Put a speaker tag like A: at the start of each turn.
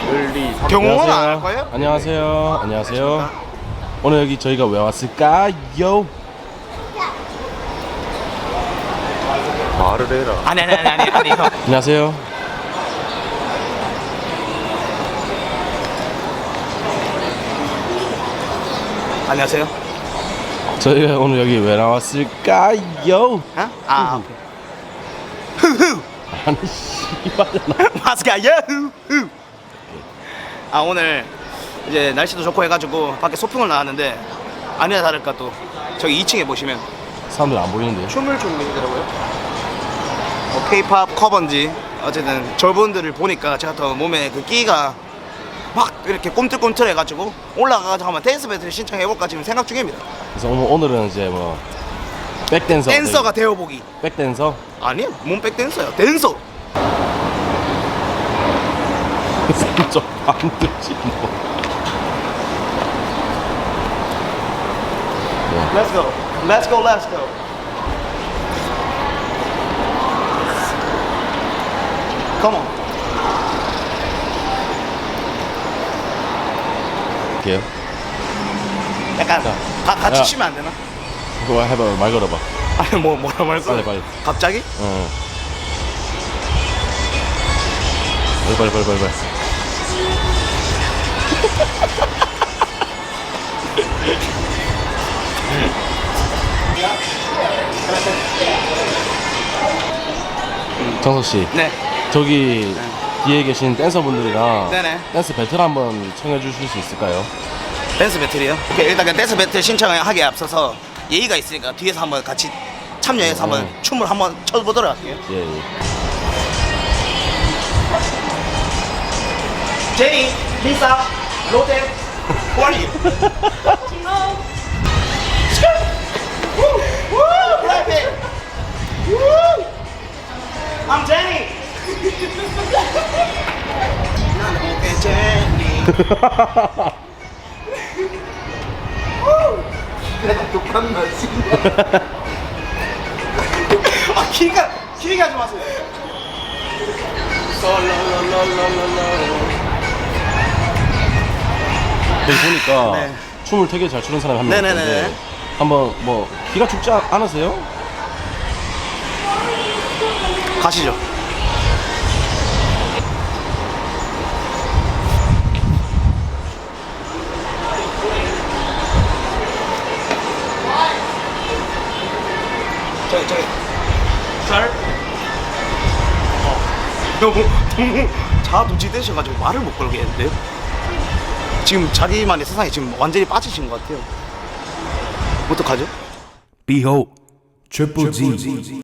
A: 1, 2, 3.
B: 경호는 안 할 거예요?
A: 안녕하세요. 안녕하세요. 오늘 여기 저희가 왜 왔을까요?
C: 말을 해라.
B: 아니 형.
A: 안녕하세요.
B: 안녕하세요.
A: 저희가 오늘 여기 왜 나왔을까요?
B: 어? 아 후후
A: 아니 씨발잖아.
B: 마스카요 후후. 아 오늘 이제 날씨도 좋고 해가지고 밖에 소풍을 나왔는데 아니나 다를까 또 저기 2층에 보시면
A: 사람들 안 보이는데.
B: 춤을 추고 계시더라고요. 뭐 K-팝 커버인지 어쨌든 저분들을 보니까 제가 더 몸에 그 끼가 막 이렇게 꿈틀꿈틀해가지고 올라가가지고 한번 댄스 배틀 신청해볼까 지금 생각 중입니다.
A: 그래서 오늘은 이제 뭐 백댄서.
B: 댄서가 되어보기.
A: 백댄서.
B: 아니요, 몸 백댄서요. 댄서.
A: 좀 반드시 뭐.
B: Let's go. Let's go. Let's go. Come on.
A: 할게요.
B: 약간
A: 자.
B: 같이
A: 야.
B: 치면 안 되나?
A: 그거 해봐. 말 걸어봐.
B: 아니 뭐라 말했어?
A: 빨리.
B: 갑자기?
A: 응. 빨리. 정석 씨,
B: 네.
A: 저기 뒤에 계신 댄서분들이랑
B: 네네.
A: 댄스 배틀 한번 청해 주실 수 있을까요?
B: 댄스 배틀이요? 오케이, 일단 그냥 댄스 배틀 신청을 하기에 앞서서 예의가 있으니까 뒤에서 한번 같이 참여해서 한번 춤을 한번 춰보도록 할게요.
A: 예.
B: 제니, 리사, 로제, 호리. 블랙핑. I'm Jenny. 난 오케이 제니. 독한 맛이. 아 키가 좀 하세요.
A: 여기 보니까
B: 네.
A: 춤을 되게 잘 추는 사람이 한 명
B: 네네네.
A: 있는데 한번 뭐 기가 죽지 않으세요?
B: 가시죠. 저기 쌀? 너무 자두지되셔가지고 말을 못 걸겠는데요? 지금 자기만의 세상에 지금 완전히 빠지신 것 같아요. 어떡하죠?
D: Behold, Triple G.